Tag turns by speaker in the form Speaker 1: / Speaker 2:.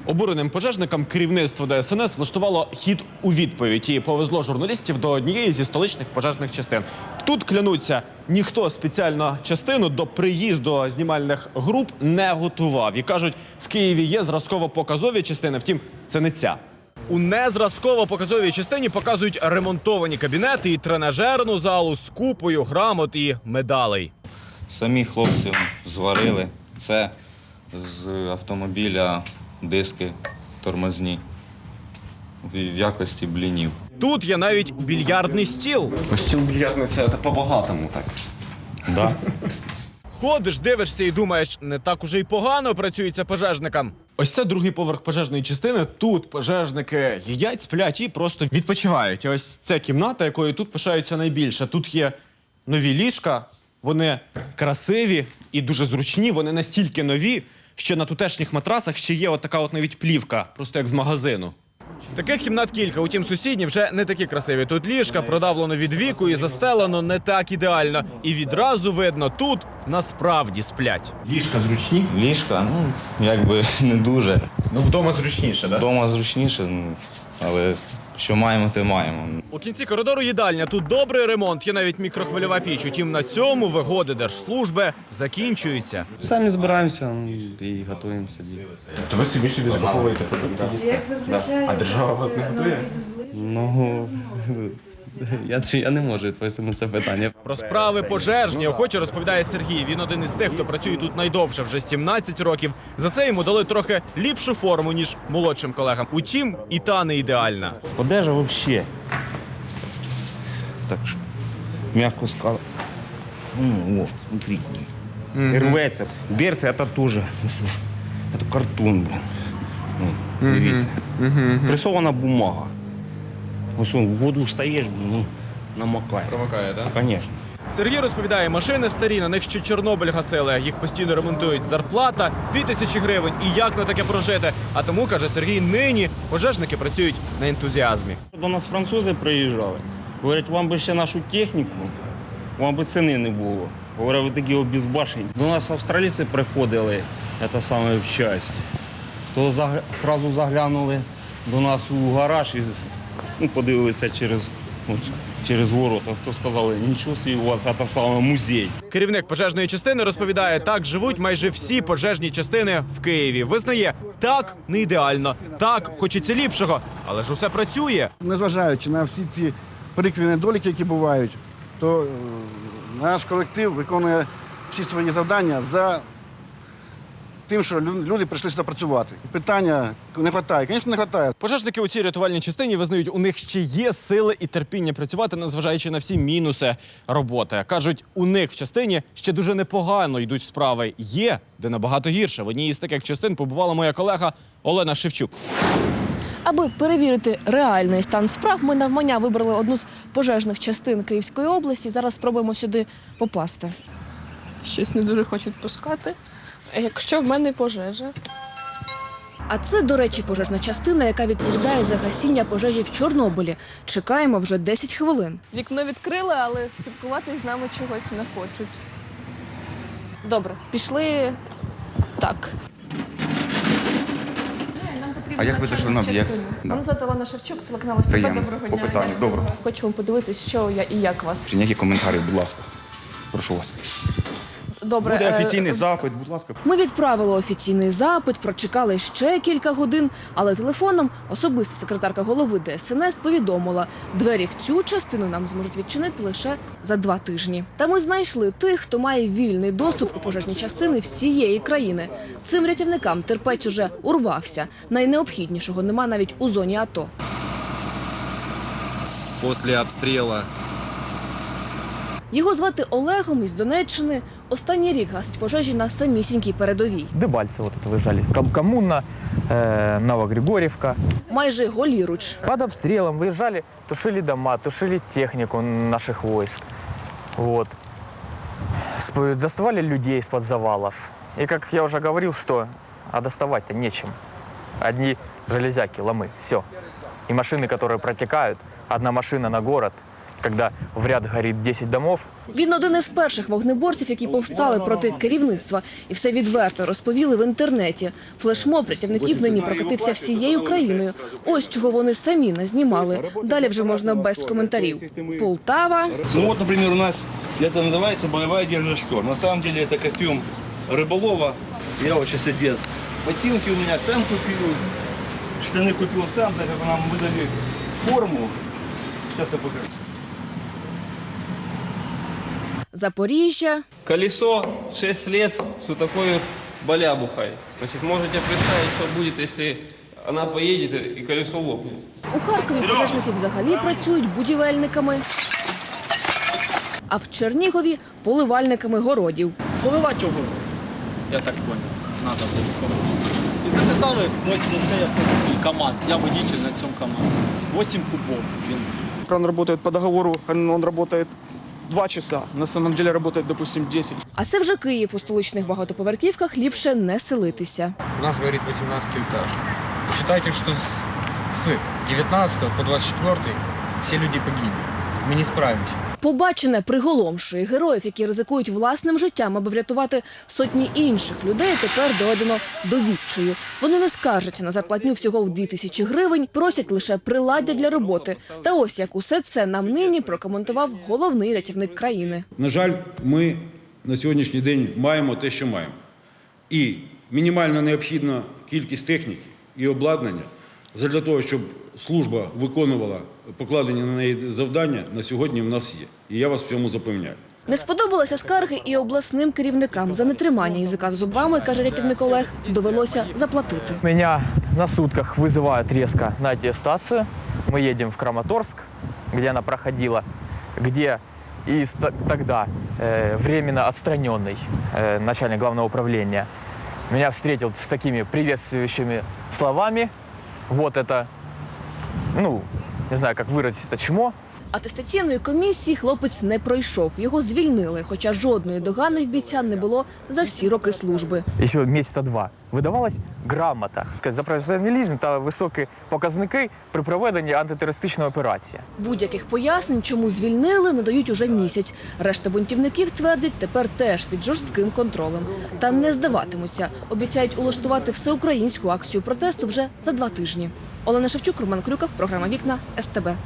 Speaker 1: Обуреним пожежникам керівництво ДСНС влаштувало хід у відповідь і повезло журналістів до однієї зі столичних пожежних частин. Тут, клянуться, ніхто спеціально частину до приїзду знімальних груп не готував. І кажуть, в Києві є зразково-показові частини, втім, це не ця. У незразково-показовій частині показують ремонтовані кабінети і тренажерну залу з купою грамот і медалей.
Speaker 2: Самі хлопці зварили це з автомобіля, диски тормозні в якості блінів.
Speaker 1: Тут є навіть більярдний стіл.
Speaker 3: Стіл більярдний – це по-багатому так.
Speaker 2: Да.
Speaker 1: Ходиш, дивишся і думаєш, не так уже й погано працюється пожежникам. Ось це другий поверх пожежної частини. Тут пожежники їдять, сплять і просто відпочивають. І ось це кімната, якою тут пишаються найбільше. Тут є нові ліжка, вони красиві і дуже зручні. Вони настільки нові, що на тутешніх матрасах ще є отака от навіть плівка, просто як з магазину. Таких кімнат кілька, утім сусідні вже не такі красиві. Тут ліжка продавлено від віку і застелено не так ідеально. І відразу видно, тут насправді сплять. Ліжка зручні?
Speaker 2: Ліжка, якби не дуже.
Speaker 1: Ну, вдома зручніше, так?
Speaker 2: Вдома зручніше, але що маємо, те маємо.
Speaker 1: У кінці коридору їдальня. Тут добрий ремонт, є навіть мікрохвильова піч. Утім, на цьому вигоди держслужби закінчуються.
Speaker 3: Самі збираємося і готуємо собі.
Speaker 1: То ви собі закуповуєте продукти їсти? А держава вас не готує?
Speaker 3: Ну, я не можу відповісти на це питання.
Speaker 1: Про справи пожежні охоче розповідає Сергій. Він один із тих, хто працює тут найдовше, вже 17 років. За це йому дали трохи ліпшу форму, ніж молодшим колегам. Утім, і та не ідеальна.
Speaker 4: Одежа вообще. Так що, мягко сказати. Вот, смотри. Рветься. Берці, це теж. Це картон, блин. Дивіться. Пресована бумага. Ось в воду стаєш, намокає.
Speaker 1: Промикає, так?
Speaker 4: Звісно.
Speaker 1: Сергій розповідає, машини старі, на них ще Чорнобиль гасили. Їх постійно ремонтують. Зарплата – 2000 гривень. І як на таке прожити? А тому, каже Сергій, нині пожежники працюють на ентузіазмі.
Speaker 4: До нас французи приїжджали. Говорять, вам би ще нашу техніку, вам би ціни не було. Говорять, ви такі обезбашені. До нас австралійці приходили, це саме в часть. То одразу заглянули до нас у гараж і подивилися через ворота. То сказали, нічого собі, у вас це саме музей.
Speaker 1: Керівник пожежної частини розповідає, так живуть майже всі пожежні частини в Києві. Визнає, так не ідеально, так хочеться ліпшого, але ж усе працює.
Speaker 5: Незважаючи на всі ці прикрі недоліки, які бувають, то наш колектив виконує всі свої завдання за тим, що люди прийшли сюди працювати. Питання не вистачає, звісно, не вистачає.
Speaker 1: Пожежники у цій рятувальній частині визнають, у них ще є сили і терпіння працювати, незважаючи на всі мінуси роботи. Кажуть, у них в частині ще дуже непогано йдуть справи. Є, де набагато гірше. В одній із таких частин побувала моя колега Олена Шевчук.
Speaker 6: Аби перевірити реальний стан справ, ми навмання вибрали одну з пожежних частин Київської області. Зараз спробуємо сюди попасти. Щось не дуже хочуть пускати. Якщо в мене пожежа. А це, до речі, пожежна частина, яка відповідає за гасіння пожежі в Чорнобилі. Чекаємо вже 10 хвилин. Вікно відкрили, але спілкуватися з нами чогось не хочуть. Добре, пішли так.
Speaker 7: А як ви зайшли на об'єкт?
Speaker 6: Мене звати Олена Шевчук, телеканал СТБ.
Speaker 7: Приємно.
Speaker 6: Доброго
Speaker 7: По
Speaker 6: дня.
Speaker 7: питанню. Доброго.
Speaker 6: Хочемо подивитись, що я і як вас.
Speaker 7: Чи ніякі коментарі, будь ласка. Прошу вас.
Speaker 6: Добре.
Speaker 7: Буде офіційний запит, будь ласка.
Speaker 6: Ми відправили офіційний запит, прочекали ще кілька годин, але телефоном особиста секретарка голови ДСНС повідомила, двері в цю частину нам зможуть відчинити лише за 2 тижні. Та ми знайшли тих, хто має вільний доступ у пожежні частини всієї країни. Цим рятівникам терпець уже урвався. Найнеобхіднішого нема навіть у зоні АТО.
Speaker 8: Після обстрілу
Speaker 6: Його звати Олегом із Донеччини. Останній рік гасить пожежі на самісінькій передовій.
Speaker 9: Дебальцево вот это выезжали. Коммуна, Новогригорьевка.
Speaker 6: Майже голіруч.
Speaker 9: Под обстрелом выезжали, тушили дома, тушили технику наших войск. Вот. Доставали людей из-под завалов. И как я уже говорил, что доставать-то нечем. Одни железяки, ломы, все. И машины, которые протекают, одна машина на город. когда в ряд горит 10 домов.
Speaker 6: Він один із перших вогнеборців, які повстали проти керівництва. І все відверто розповіли в інтернеті. Флешмоб рятівників нині прокатився всією країною. Ось чого вони самі назнімали. Далі вже можна без коментарів. Полтава.
Speaker 8: Ну вот, например, у нас это называется боевая одежда штор. На самом деле это костюм рыболова. Я вот сейчас одет. Ботинки у меня сам купил, штаны купил сам, так как нам выдали форму. Сейчас я покажу.
Speaker 6: Запоріжжя.
Speaker 10: Колесо 6 лет с вот такой вот балябухой. Значит, можете представить, что будет, если она поедет и колесо лопнет.
Speaker 6: У Харкові пожежники взагалі працюють будівельниками, а в Чернігові – поливальниками городів.
Speaker 11: Поливати його, я так понял, треба було комусь. І записали ось цей автомобіль КАМАЗ, я водитель на цьому КАМАЗі. 8 кубов він.
Speaker 12: Кран работает по договору, он работает 2 часа. На самом деле работает, допустим, 10.
Speaker 6: А це вже Київ. У столичних багатоповерхівках ліпше не селитися.
Speaker 10: У нас говорит 18 этаж. Считайте, что с 19 по 24 все люди погибли. Мы не справимся.
Speaker 6: Побачене приголомшує. Героїв, які ризикують власним життям, аби врятувати сотні інших людей, тепер доведено до відчаю. Вони не скаржаться на зарплатню всього в 2000 гривень, просять лише приладдя для роботи. Та ось як усе це нам нині прокоментував головний рятівник країни.
Speaker 13: На жаль, ми на сьогоднішній день маємо те, що маємо. І мінімально необхідна кількість техніки і обладнання для того, щоб служба виконувала покладені на неї завдання, на сьогодні в нас є. І я вас в цьому запевняю.
Speaker 6: Не сподобалися скарги і обласним керівникам. За нетримання язика з зубами, каже рятівник Олег, довелося заплатити.
Speaker 9: Меня на сутках вызывают резко на аттестацию. Мы едем в Краматорск, где она проходила, где и тогда временно отстраненный начальник главного управления меня встретил с такими приветствующими словами. Вот это, ну, не знаю, как выразить это, чмо.
Speaker 6: Атестаційної комісії хлопець не пройшов. Його звільнили, хоча жодної догани в бійця не було за всі роки служби.
Speaker 9: Еще месяца 2 видавалась грамота за професіоналізм та високі показники при проведенні антитерористичної операції.
Speaker 6: Будь-яких пояснень, чому звільнили, не дають уже місяць. Решта бунтівників, твердять, тепер теж під жорстким контролем. Та не здаватимуться. Обіцяють улаштувати всеукраїнську акцію протесту вже за 2 тижні. Олена Шевчук, Роман Крюков, програма «Вікна», СТБ.